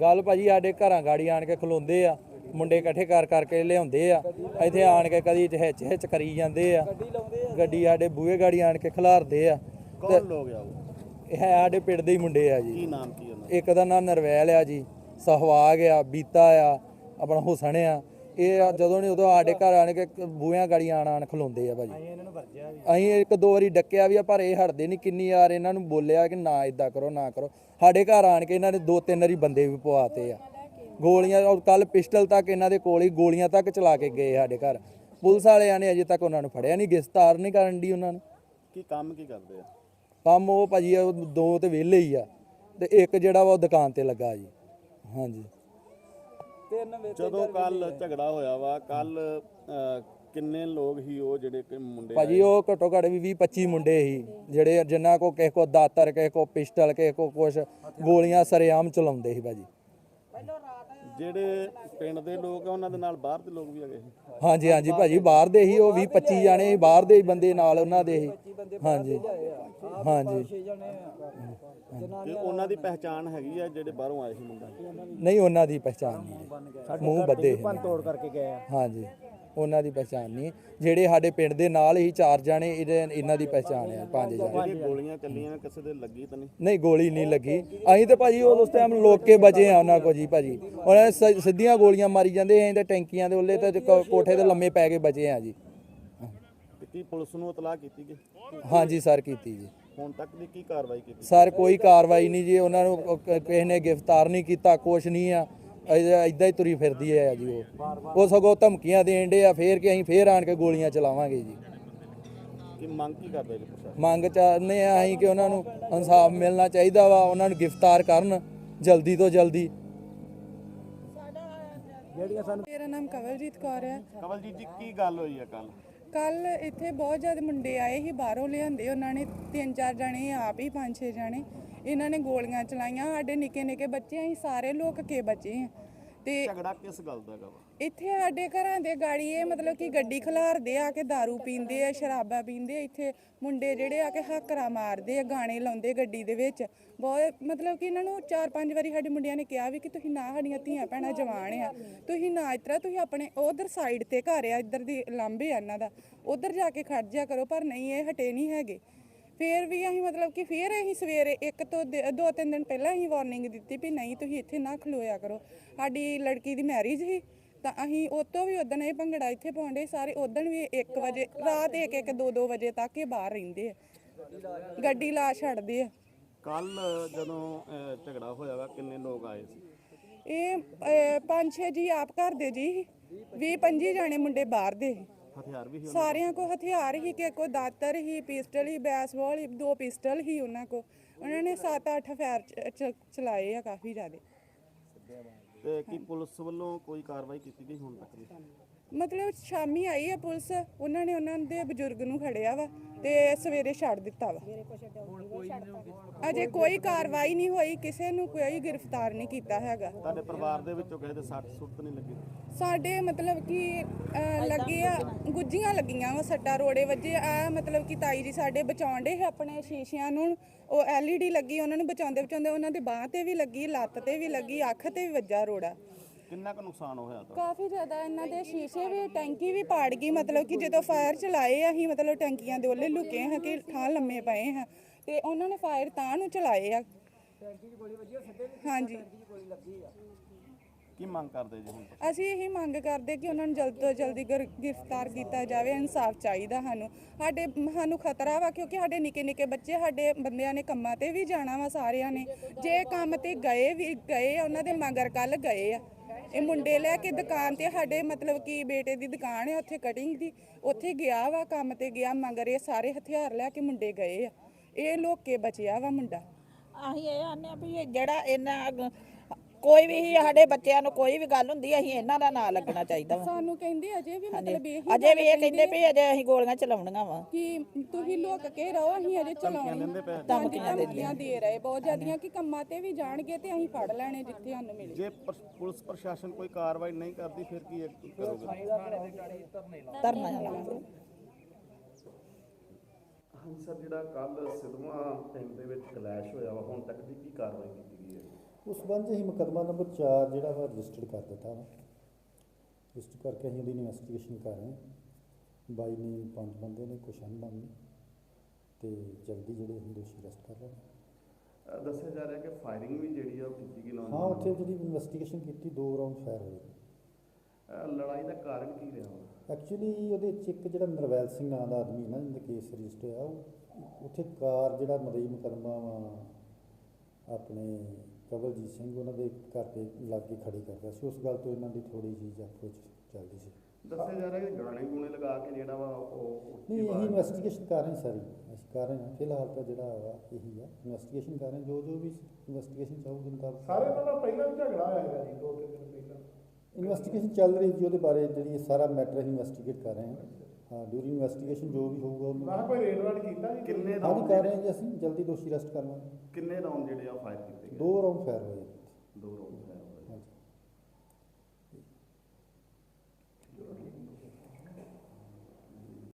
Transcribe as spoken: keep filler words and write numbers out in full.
ਗੱਲ ਭਾਜੀ ਸਾਡੇ ਘਰਾਂ ਗਾੜੀ ਆਣ ਕੇ ਖਲੋਂਦੇ ਆ, ਮੁੰਡੇ ਇਕੱਠੇ ਕਰ ਕਰਕੇ ਲਿਆਉਂਦੇ ਆ, ਇੱਥੇ ਆਣ ਕੇ ਕਦੀ ਹਿੱਚ ਹਿੱਚ ਕਰੀ ਜਾਂਦੇ ਆ, ਗੱਡੀ ਸਾਡੇ ਬੂਹੇ ਗਾੜੀ ਆਣ ਕੇ ਖਿਲਾਰਦੇ ਆ। ਕੌਣ ਲੋਕ ਆ ਉਹ? ਇਹ ਹੈ ਸਾਡੇ ਪਿੰਡ ਦੇ ਹੀ ਮੁੰਡੇ ਆ ਜੀ। ਕੀ ਨਾਮ ਕੀ ਉਹਨਾਂ ਇੱਕ ਦਾ ਨਾਮ ਨਰਵੈਲ ਆ ਜੀ, ਸਹਵਾਗ ਆ, ਬੀਤਾ ਆ, ਆਪਣਾ ਹੁਸਨ ਆ। ਇਹ ਜਦੋਂ ਨਹੀਂ ਉਦੋਂ ਸਾਡੇ ਘਰ ਆਣ ਕੇ ਬੂਹਿਆਂ ਗਾੜੀ ਆਣ ਆਣ ਖਲੋਂਦੇ ਆ ਭਾਜੀ। ਅਸੀਂ ਇੱਕ ਦੋ ਵਾਰੀ ਡੱਕਿਆ ਵੀ ਆ ਪਰ ਇਹ ਹਟਦੇ ਨਹੀਂ। ਕਿੰਨੀ ਵਾਰ ਇਹਨਾਂ ਨੂੰ ਬੋਲਿਆ ਕਿ ਨਾ ਇਦਾਂ ਕਰੋ ਨਾ ਕਰੋ। ਸਾਡੇ ਘਰ ਆਣ ਕੇ ਇਹਨਾਂ ਨੇ ਦੋ ਤਿੰਨ ਵਾਰੀ ਬੰਦੇ ਵੀ ਪਵਾਤੇ ਆ, ਗੋਲੀਆਂ। ਔਰ ਕੱਲ ਪਿਸਟਲ ਤੱਕ ਇਹਨਾਂ ਦੇ ਕੋਲ ਹੀ ਗੋਲੀਆਂ ਤੱਕ ਚਲਾ ਕੇ ਗਏ ਸਾਡੇ ਘਰ। ਪੁਲਿਸ ਵਾਲਿਆਂ ਨੇ ਅਜੇ ਤੱਕ ਉਹਨਾਂ ਨੂੰ ਫੜਿਆ ਨਹੀਂ, ਗ੍ਰਿਫਤਾਰ ਨਹੀਂ ਕਰਨ ਦੀ ਉਹਨਾਂ ਨੂੰ। ਕੀ ਕੰਮ ਕੀ ਕਰਦੇ ਆ? ਕੰਮ ਉਹ ਭਾਜੀ ਉਹ ਦੋ ਤੇ ਵਿਹਲੇ ਹੀ ਆ, ਤੇ ਇੱਕ ਜਿਹੜਾ ਵਾ ਉਹ ਦੁਕਾਨ ਤੇ ਲੱਗਾ ਜੀ। ਹਾਂਜੀ। ਜਦੋਂ ਕੱਲ ਝਗੜਾ ਹੋਇਆ ਵਾ, ਕੱਲ ਕਿੰਨੇ ਲੋਕ ਹੀ ਉਹ ਜਿਹੜੇ ਕਿ ਮੁੰਡੇ ਭਾਜੀ ਉਹ ਘੱਟੋ ਘੱਟ ਵੀ ਵੀਹ ਪੱਚੀ ਮੁੰਡੇ ਸੀ, ਜਿਹੜੇ ਜਿਨ੍ਹਾਂ ਕੋ ਕਿਸੇ ਕੋ ਦਾਤਰ, ਕਿਸੇ ਕੋ ਪਿਸਟਲ, ਕਿਸੇ ਕੋ ਕੁਛ ਗੋਲੀਆਂ ਸਰੇਆਮ ਚਲਾਉਂਦੇ ਸੀ ਭਾਜੀ। ਜਿਹੜੇ ਪਿੰਡ ਦੇ ਲੋਕ ਆ ਉਹਨਾਂ ਦੇ ਨਾਲ ਬਾਹਰ ਦੇ ਲੋਕ ਵੀ ਹੈਗੇ ਸੀ? ਹਾਂਜੀ ਹਾਂਜੀ ਭਾਜੀ, ਬਾਹਰ ਦੇ ਹੀ ਉਹ ਵੀਹ ਪੱਚੀ ਜਾਣੇ ਸੀ, ਬਾਹਰ ਦੇ ਹੀ ਬੰਦੇ ਨਾਲ ਉਹਨਾਂ ਦੇ ਹੀ। ਹਾਂਜੀ ਹਾਂਜੀ। ਤੇ ਉਹਨਾਂ ਦੀ ਪਹਿਚਾਣ ਹੈਗੀ ਆ ਜਿਹੜੇ ਬਾਹਰੋਂ ਆਏ ਸੀ ਮੁੰਡਾ? ਨਹੀਂ, ਉਹਨਾਂ ਦੀ ਪਹਿਚਾਣ ਨਹੀਂ, ਮੂੰਹ ਬੱਧੇ ਤੋੜ ਕਰਕੇ ਗਏ ਆ। ਹਾਂਜੀ, ਉਹਨਾਂ ਦੀ ਪਹਿਚਾਣ ਨਹੀਂ। ਜਿਹੜੇ ਸਾਡੇ ਪਿੰਡ ਦੇ ਨਾਲ ਹੀ ਚਾਰ ਜਾਣੇ, ਇਹਦੇ ਇਹਨਾਂ ਦੀ ਪਹਿਚਾਣ ਆ ਪੰਜ ਜਾਣੇ। ਜਿਹੜੀਆਂ ਗੋਲੀਆਂ ਚੱਲੀਆਂ ਕਿਸੇ ਦੇ ਲੱਗੀ ਤਾਂ ਨਹੀਂ? ਨਹੀਂ, ਗੋਲੀ ਨਹੀਂ ਲੱਗੀ। ਅਸੀਂ ਤੇ ਭਾਜੀ ਉਸ ਟਾਈਮ ਲੋਕ ਕੇ ਬਚੇ ਆ ਉਹਨਾਂ ਕੋ ਜੀ ਭਾਜੀ। ਉਹਨਾਂ ਨੇ ਸਿੱਧੀਆਂ ਗੋਲੀਆਂ ਮਾਰੀ ਜਾਂਦੇ, ਅਸੀਂ ਤੇ ਟੈਂਕੀਆਂ ਦੇ ਉੱਲੇ ਤੇ ਕੋਠੇ ਤੇ ਲੰਮੇ ਪੈ ਕੇ ਬਚੇ ਆ ਜੀ। ਕੀ ਪੁਲਿਸ ਨੂੰ ਇਤਲਾਹ ਕੀਤੀ ਗਈ? ਹਾਂਜੀ ਸਰ, ਕੀਤੀ ਜੀ। ਹੁਣ ਤੱਕ ਦੀ ਕੀ ਕਾਰਵਾਈ ਕੀਤੀ? ਸਰ ਕੋਈ ਕਾਰਵਾਈ ਨਹੀਂ ਜੀ, ਉਹਨਾਂ ਨੂੰ ਕਿਸੇ ਨੇ ਗ੍ਰਿਫਤਾਰ ਨਹੀਂ ਕੀਤਾ, ਕੁਛ ਨਹੀਂ ਆ। ਇਦਾਂ ਹੀ ਤੁਰੀ ਫਿਰਦੀ ਹੈ ਜੀ। ਉਹ ਉਹ ਸਗੋਂ ਧਮਕੀਆਂ ਦੇਣ ਡੇ ਆ ਫੇਰ ਕਿ ਅਸੀਂ ਫੇਰ ਆਣ ਕੇ ਗੋਲੀਆਂ ਚਲਾਵਾਂਗੇ ਜੀ। ਕੀ ਮੰਗ ਕੀ ਕਰਦੇ ਜੀ ਪ੍ਰਸ਼ਾਸਨ? ਮੰਗ ਚਾਹੁੰਦੇ ਆ ਅਸੀਂ ਕਿ ਉਹਨਾਂ ਨੂੰ ਇਨਸਾਫ ਮਿਲਣਾ ਚਾਹੀਦਾ ਵਾ, ਉਹਨਾਂ ਨੂੰ ਗ੍ਰਿਫਤਾਰ ਕਰਨ ਜਲਦੀ ਤੋਂ ਜਲਦੀ। ਮੇਰਾ ਨਾਮ ਕਵਲਜੀਤ ਕੌਰ ਹੈ। ਕਵਲਜੀਤ ਜੀ, ਕੀ ਗੱਲ ਹੋਈ ਆ ਕੱਲ? ਕੱਲ ਇੱਥੇ ਬਹੁਤ ਜ਼ਿਆਦਾ ਮੁੰਡੇ ਆਏ ਸੀ, ਬਾਹਰੋਂ ਲਿਆਂਦੇ ਉਹਨਾਂ ਨੇ, ਤਿੰਨ ਚਾਰ ਜਣੇ, ਆਪ ਹੀ ਪੰਜ ਛੇ ਜਣੇ। ਇਹਨਾਂ ਨੇ ਗੋਲੀਆਂ ਚਲਾਈਆਂ, ਸਾਡੇ ਨਿੱਕੇ ਨਿੱਕੇ ਬੱਚੇ, ਅਸੀਂ ਸਾਰੇ ਲੋਕ ਕੇ ਬਚੇ ਆ। ਤੇ ਝਗੜਾ ਕਿਸ ਗੱਲ ਦਾ ਹੈਗਾ ਵਾ? ਇੱਥੇ ਸਾਡੇ ਘਰਾਂ ਦੇ ਗਾੜੀ ਇਹ ਮਤਲਬ ਕਿ ਗੱਡੀ ਖਿਲਾਰਦੇ ਆ ਕੇ, ਦਾਰੂ ਪੀਂਦੇ ਆ, ਸ਼ਰਾਬਾਂ ਪੀਂਦੇ ਆ। ਇੱਥੇ ਮੁੰਡੇ ਜਿਹੜੇ ਆ ਕੇ ਹਾਕਰਾ ਮਾਰਦੇ ਆ, ਗਾਣੇ ਲਾਉਂਦੇ ਗੱਡੀ ਦੇ ਵਿੱਚ। ਬਹੁਤ ਮਤਲਬ ਕਿ ਇਹਨਾਂ ਨੂੰ ਚਾਰ ਪੰਜ ਵਾਰੀ ਸਾਡੇ ਮੁੰਡਿਆਂ ਨੇ ਕਿਹਾ ਵੀ ਕਿ ਤੁਸੀਂ ਨਾ, ਸਾਡੀਆਂ ਧੀਆਂ ਭੈਣਾਂ ਜਵਾਨ ਆ, ਤੁਸੀਂ ਨਾ ਇਸ ਤਰ੍ਹਾਂ, ਤੁਸੀਂ ਆਪਣੇ ਉਧਰ ਸਾਈਡ ਤੇ ਘਰ ਆ, ਇੱਧਰ ਦੀ ਲਾਂਭੇ ਆ ਇਹਨਾਂ ਦਾ, ਉਧਰ ਜਾ ਕੇ ਖੜ ਜਿਆ ਕਰੋ। ਪਰ ਨਹੀਂ, ਇਹ ਹਟੇ ਨਹੀਂ ਹੈਗੇ। ਫਿਰ ਵੀ ਅਸੀਂ ਮਤਲਬ ਕਿ ਫਿਰ ਅਸੀਂ ਸਵੇਰੇ ਇੱਕ ਤੋਂ ਦੋ ਤਿੰਨ ਦਿਨ ਪਹਿਲਾਂ ਅਸੀਂ ਵਾਰਨਿੰਗ ਦਿੱਤੀ ਵੀ ਨਹੀਂ, ਤੁਸੀਂ ਇੱਥੇ ਨਾ ਖਲੋਇਆ ਕਰੋ। ਸਾਡੀ ਲੜਕੀ ਦੀ ਮੈਰਿਜ ਸੀ ਤਾਂ ਅਸੀਂ ਉਹ ਤੋਂ ਵੀ ਉਦਣ ਇਹ ਭੰਗੜਾ ਇੱਥੇ ਪਾਉਂਦੇ ਸਾਰੇ। ਉਦਣ ਵੀ ਇੱਕ ਵਜੇ ਰਾਤ ਇੱਕ ਇੱਕ ਦੋ ਦੋ ਵਜੇ ਤੱਕ ਇਹ ਬਾਹਰ ਰਹਿੰਦੇ ਆ, ਗੱਡੀ ਲਾ ਛੱਡਦੇ ਆ। ਕੱਲ ਜਦੋਂ ਝਗੜਾ ਹੋਇਆ ਵਾ, ਕਿੰਨੇ ਲੋਕ ਆਏ ਸੀ? ਇਹ ਪੰਜ ਛੇ ਜੀ ਆਪ ਘਰ ਦੇ ਜੀ, ਵੀਹ ਪੰਜੀ ਜਾਣੇ ਮੁੰਡੇ ਬਾਹਰ ਦੇ। ਹਥਿਆਰ ਵੀ ਸੀ ਸਾਰਿਆਂ ਕੋ ਹਥਿਆਰ ਹੀ, ਕਿ ਕੋਈ ਦਾਤਰ ਹੀ, ਪਿਸਟਲ ਹੀ, ਬੈਸਬਾਲ ਹੀ, ਦੋ ਪਿਸਟਲ ਹੀ ਉਹਨਾਂ ਕੋ। ਉਹਨਾਂ ਨੇ ਸੱਤ ਅੱਠ ਫਾਇਰ ਚਲਾਏ ਆ, ਕਾਫੀ ਜ਼ਿਆਦਾ। ਤੇ ਕੀ ਪੁਲਿਸ ਵੱਲੋਂ ਕੋਈ ਕਾਰਵਾਈ ਕੀਤੀ ਗਈ ਹੁਣ ਤੱਕ ਦੀ? ਮਤਲਬ ਸ਼ਾਮੀ ਆਈ ਆ ਪੁਲਿਸ, ਉਹਨਾਂ ਨੇ ਉਹਨਾਂ ਦੇ ਬਜ਼ੁਰਗ ਨੂੰ ਖੜਿਆ ਵਾ ਤੇ ਸਵੇਰੇ ਛੱਡ ਦਿੱਤਾ ਵਾ। ਅਜੇ ਕੋਈ ਕਾਰਵਾਈ ਨਹੀਂ ਹੋਈ, ਕਿਸੇ ਨੂੰ ਕੋਈ ਗ੍ਰਿਫਤਾਰ ਨਹੀਂ ਕੀਤਾ ਹੈਗਾ। ਤੁਹਾਡੇ ਪਰਿਵਾਰ ਦੇ ਵਿੱਚੋਂ ਕਿਸੇ ਦੇ ਸੱਟ ਸੁੱਟ ਨਹੀਂ ਲੱਗੀ? ਸਾਡੇ ਮਤਲਬ ਕਿ ਲੱਗੇ ਆ, ਗੁੱਜੀਆਂ ਲੱਗੀਆਂ ਵਾ, ਸੱਟਾਂ ਰੋੜੇ ਵੱਜੇ ਆ। ਮਤਲਬ ਕਿ ਤਾਈ ਜੀ ਸਾਡੇ ਬਚਾਉਂਦੇ ਸੀ ਆਪਣੇ ਸ਼ੀਸ਼ਿਆਂ ਨੂੰ, ਉਹ ਐਲ ਈ ਡੀ ਲੱਗੀ, ਉਹਨਾਂ ਨੂੰ ਬਚਾਉਂਦੇ ਬਚਾਉਂਦੇ ਉਹਨਾਂ ਦੇ ਬਾਂਹ ਤੇ ਵੀ ਲੱਗੀ, ਲੱਤ ਤੇ ਵੀ ਲੱਗੀ, ਅੱਖ ਤੇ ਵੀ ਵੱਜਾ ਰੋੜਾ। ਕਿੰਨਾ ਕੁ ਨੁਕਸਾਨ ਹੋਇਆ ਤਾਂ? ਕਾਫੀ ਜ਼ਿਆਦਾ। ਇਹਨਾਂ ਦੇ ਸ਼ੀਸ਼ੇ ਵੀ, ਟੈਂਕੀ ਵੀ ਪਾੜ ਗਈ। ਮਤਲਬ ਕਿ ਜਦੋਂ ਫਾਇਰ ਚਲਾਏ ਅਸੀਂ, ਮਤਲਬ ਟੈਂਕੀਆਂ ਦੇ ਉਹਲੇ ਲੁਕੇ ਹਾਂ ਕਿ ਥਾਂ ਲੰਮੇ ਪਏ ਹਾਂ, ਤੇ ਉਹਨਾਂ ਨੇ ਫਾਇਰ ਤਾਂ ਨੂੰ ਚਲਾਏ ਆ। ਹਾਂਜੀ। ਕੀ ਮੰਗ ਕਰਦੇ ਜੀ ਹੁਣ? ਅਸੀਂ ਇਹੀ ਮੰਗ ਕਰਦੇ ਕਿ ਉਹਨਾਂ ਨੂੰ ਜਲਦ ਤੋਂ ਜਲਦੀ ਗ੍ਰਿਫਤਾਰ ਕੀਤਾ ਜਾਵੇ। ਇਨਸਾਫ ਚਾਹੀਦਾ ਸਾਨੂੰ। ਸਾਡੇ ਸਾਨੂੰ ਖਤਰਾ ਵਾ ਕਿਉਂਕਿ ਸਾਡੇ ਨਿੱਕੇ ਨਿੱਕੇ ਬੱਚੇ, ਸਾਡੇ ਬੰਦਿਆਂ ਨੇ ਕੰਮਾਂ ਤੇ ਵੀ ਜਾਣਾ ਵਾ ਸਾਰਿਆਂ ਨੇ। ਜੇ ਕੰਮ ਤੇ ਗਏ ਵੀ ਗਏ ਆ, ਉਹਨਾਂ ਦੇ ਮਗਰ ਕੱਲ ਗਏ ਆ ਇਹ ਮੁੰਡੇ ਲੈ ਕੇ ਦੁਕਾਨ ਤੇ। ਸਾਡੇ ਮਤਲਬ ਕਿ ਬੇਟੇ ਦੀ ਦੁਕਾਨ ਹੈ ਉੱਥੇ ਕਟਿੰਗ ਦੀ, ਉੱਥੇ ਗਿਆ ਵਾ, ਕੰਮ ਤੇ ਗਿਆ, ਮਗਰ ਇਹ ਸਾਰੇ ਹਥਿਆਰ ਲੈ ਕੇ ਮੁੰਡੇ ਗਏ ਆ। ਇਹ ਲੋਕ ਕੇ ਬਚਿਆ ਵਾ ਮੁੰਡਾ। ਅਸੀਂ ਇਹ ਆਨੇ ਆ ਵੀ ਜਿਹੜਾ ਇਹਨਾਂ ਕੋਈ ਵੀ ਸਾਡੇ ਬੱਚਿਆਂ ਨੂੰ ਕੋਈ ਵੀ ਗੱਲ ਹੁੰਦੀ, ਅਸੀਂ ਇਹਨਾਂ ਦਾ ਨਾਂ ਲੱਗਣਾ ਚਾਹੀਦਾ ਵਾ। ਸਾਨੂੰ ਕਹਿੰਦੇ ਅਜੇ ਵੀ ਮਤਲਬ ਇਹ ਅਜੇ ਵੀ ਇਹ ਕਹਿੰਦੇ ਵੀ ਅਜੇ ਅਸੀਂ ਗੋਲੀਆਂ ਚਲਾਉਣੀਆਂ ਵਾ, ਕਿ ਤੁਸੀਂ ਲੋਕ ਕੇ ਰਹੋ, ਅਸੀਂ ਅਜੇ ਚਲਾਉਣੀਆਂ। ਧਮਕੀਆਂ ਦੇ ਰਹੇ ਬਹੁਤ ਜ਼ਿਆਦੀਆਂ ਕਿ ਕੰਮਾਂ ਤੇ ਵੀ ਜਾਣਗੇ ਤੇ ਅਸੀਂ ਫੜ ਲੈਣੇ ਜਿੱਥੇ ਸਾਨੂੰ ਮਿਲੇ। ਜੇ ਪੁਲਿਸ ਪ੍ਰਸ਼ਾਸਨ ਕੋਈ ਕਾਰਵਾਈ ਨਹੀਂ ਕਰਦੀ ਫਿਰ ਕੀ ਕਰੋਗੇ? ਧਰਨਾ ਲਾਵਾਂਗੇ। ਹਾਂ ਸਰ, ਜਿਹੜਾ ਕੱਲ ਸਿੱਧਵਾਂ ਪਿੰਡ ਦੇ ਵਿੱਚ ਕਲੈਸ਼ ਹੋਇਆ ਵਾ, ਹੁਣ ਤੱਕ ਦੀ ਕੀ ਕਾਰਵਾਈ ਕੀਤੀ ਗਈ ਹੈ? ਉਸ ਸੰਬੰਧ 'ਚ ਅਸੀਂ ਮੁਕੱਦਮਾ ਨੰਬਰ ਚਾਰ ਜਿਹੜਾ ਵਾ ਰਜਿਸਟਰਡ ਕਰ ਦਿੱਤਾ ਵਾ। ਰਜਿਸਟਰ ਕਰਕੇ ਅਸੀਂ ਉਹਦੀ ਇਨਵੈਸਟੀਗੇਸ਼ਨ ਕਰ ਰਹੇ ਹਾਂ। ਬਾਈ ਨੇ ਪੰਜ ਬੰਦੇ ਨੇ, ਕੁਛ ਅਨਬਨ ਨੇ, ਤੇ ਜਲਦੀ ਜਿਹੜੇ ਅਸੀਂ ਦੋਸ਼ੀ ਅਰੈਸਟ ਕਰ ਲੈਣੇ। ਅ, ਦੱਸਿਆ ਜਾ ਰਿਹਾ ਕਿ ਫਾਇਰਿੰਗ ਵੀ ਜਿਹੜੀ ਆ ਉਹ ਕੀਤੀ ਗਈ ਹਾਂ, ਉੱਥੇ ਜਿਹੜੀ ਇਨਵੈਸਟੀਗੇਸ਼ਨ ਕੀਤੀ ਦੋ ਰਾਊਂਡ ਫਾਇਰ ਹੋਏ। ਅ, ਲੜਾਈ ਦਾ ਕਾਰਨ ਕੀ ਰਿਹਾ ਵਾ? ਐਕਚੁਅਲੀ ਉਹਦੇ 'ਚ ਇੱਕ ਜਿਹੜਾ ਨਰਵੈਲ ਸਿੰਘ ਨਾਂ ਦਾ ਆਦਮੀ ਨਾ ਜਿਹਦਾ ਕੇਸ ਰਜਿਸਟਰ ਹੋਇਆ, ਉਹ ਉੱਥੇ ਕਾਰ ਜਿਹੜਾ ਮਦਈ ਮੁਕੱਦਮਾ ਵਾ ਆਪਣੇ ਕਵਲਜੀਤ ਸਿੰਘ ਉਹਨਾਂ ਦੇ ਘਰ ਦੇ ਲਾਗੇ ਖੜੀ ਕਰਦਾ ਸੀ। ਉਸ ਗੱਲ ਤੋਂ ਇਹਨਾਂ ਦੀ ਥੋੜ੍ਹੀ ਜਿਹੀ ਅਪਰੋਚ ਚੱਲਦੀ ਸੀ। ਦੱਸਿਆ ਜਾ ਰਿਹਾ ਕਿ ਗਾਣੇ ਗੂਣੇ ਲਗਾ ਕੇ ਜਿਹੜਾ ਵਾ ਉਹ ਨਹੀਂ, ਇਹੀ ਇਨਵੈਸਟੀਗੇਸ਼ਨ ਕਰ ਰਹੇ ਸਾਰੀ ਅਸੀਂ ਕਰ ਰਹੇ ਹਾਂ। ਫਿਲਹਾਲ ਤਾਂ ਜਿਹੜਾ ਵਾ ਇਹੀ ਆ, ਇਨਵੈਸਟੀਗੇਸ਼ਨ ਕਰ ਰਹੇ, ਜੋ ਜੋ ਵੀ ਇਨਵੈਸਟੀਗੇਸ਼ਨ ਚਾਹੂਗੀ ਮੁਤਾਬਕ ਸਾਰੇ ਇਹਨਾਂ ਦਾ ਪਹਿਲਾਂ ਵੀ ਝਗੜਾ ਹੋਇਆ ਹੈਗਾ ਜੀ, ਦੋ ਤਿੰਨ ਦਿਨ ਪਹਿਲਾਂ। ਇਨਵੈਸਟੀਗੇਸ਼ਨ ਚੱਲ ਰਹੀ ਜੀ, ਉਹਦੇ ਬਾਰੇ ਜਿਹੜੀ ਸਾਰਾ ਮੈਟਰ ਅਸੀਂ ਇਨਵੈਸਟੀਗੇਟ ਕਰ ਰਹੇ ਹਾਂ। ਹਾਂ, ਡਿਊਰਿੰਗ ਇਨਵੈਸਟੀਗੇਸ਼ਨ ਜੋ ਵੀ ਹੋਊਗਾ ਉਹਨੂੰ ਮੈਂ ਕਿਹਾ ਕੋਈ ਰੇਡ ਰਾਡ ਕੀਤਾ ਜੀ? ਕਿੰਨੇ ਹਾਂ ਜੀ ਰਾਉਂਡ ਕਰ ਰਹੇ ਹਾਂ ਜੀ, ਅਸੀਂ ਜਲਦੀ ਦੋਸ਼ੀ ਅਰੈਸਟ ਕਰ ਲਾਂਗੇ। ਕਿੰਨੇ ਰਾਉਂਡ ਜਿਹੜੇ ਆ ਫਾਇਰ ਕੀਤੇ ਗਏ? ਦੋ ਰਾਊਂਡ ਫਾਇਰ ਹੋਏ।